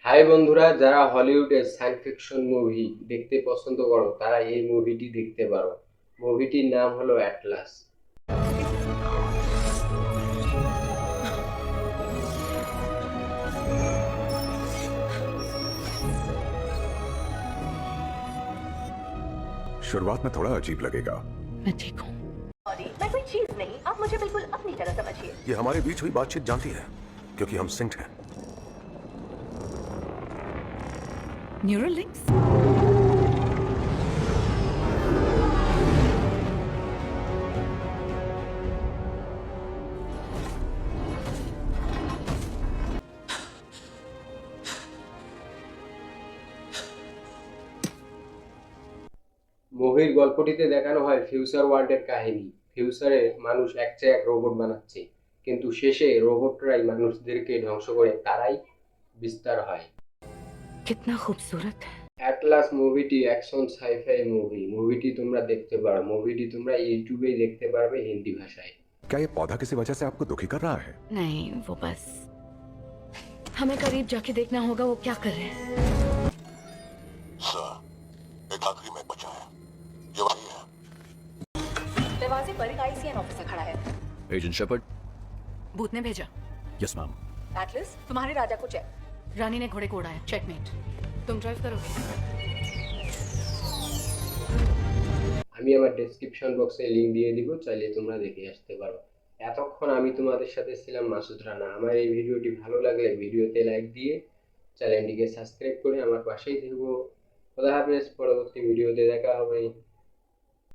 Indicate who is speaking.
Speaker 1: High বন্ধুরা, যারা হলিউডের সায়েন্স ফিকশন মুভি দেখতে পছন্দ করো তারা এই মুভিটি দেখতে পারো। মুভিটির নাম হলো অ্যাটলাস।
Speaker 2: शुरुआत में थोड़ा अजीब लगेगा।
Speaker 3: मैं ठीक हूँ।
Speaker 4: सॉरी, मैं कोई चीज नहीं, आप मुझे बिल्कुल अपनी तरह समझिए।
Speaker 2: ये हमारे बीच हुई बातचीत जानती है क्योंकि हम सिंक हैं।
Speaker 3: Neural links.
Speaker 1: মুভির গল্পটিতে দেখানো হয় ফিউচার ওয়ার্ল্ডের কাহিনী। ফিউচারে মানুষ এক চেয়ে এক রোবট বানাচ্ছে, কিন্তু শেষে রোবটরাই মানুষদেরকে ধ্বংস করে তারাই বিস্তার হয়।
Speaker 3: कितना खूबसूरत है।
Speaker 1: অ্যাটলাস মুভিটি অ্যাকশন সাইফাই মুভিটি তোমরা দেখতে পারো। মুভিটি তোমরা ইউটিউবেই দেখতে পারবে হিন্দি ভাষায়।
Speaker 2: क्या ये पौधा किसी वजह से आपको दुखी कर रहा है?
Speaker 3: नहीं, वो बस हमें करीब जाके देखना होगा वो क्या कर रहे हैं।
Speaker 5: सर, एक आखिरी में बचा है। ये वही है।
Speaker 4: दरवाजे पर एक आईसीएन ऑफिसर खड़ा है।
Speaker 6: Agent Shepherd.
Speaker 3: भूत ने भेजा।
Speaker 6: Yes ma'am.
Speaker 4: एटलस, तुम्हारे राजा को चेक।
Speaker 3: रानी ने घोड़े को उड़ाया। चेकमेट। तुम ड्राइव करोगे।
Speaker 1: আমি আমার ডেসক্রিপশন বক্সে লিংক দিয়ে দিব, চাইলে তোমরা দেখে আসতে পারো। এতক্ষণ আমি তোমাদের সাথে ছিলাম মাসুদ রানা। আমার এই ভিডিওটি ভালো লাগলে ভিডিওতে লাইক দিয়ে চ্যানেলটিকে সাবস্ক্রাইব করে আমার পাশেই থাকবো। খোদা হাফেজ, পরবর্তী ভিডিওতে দেখা হবে।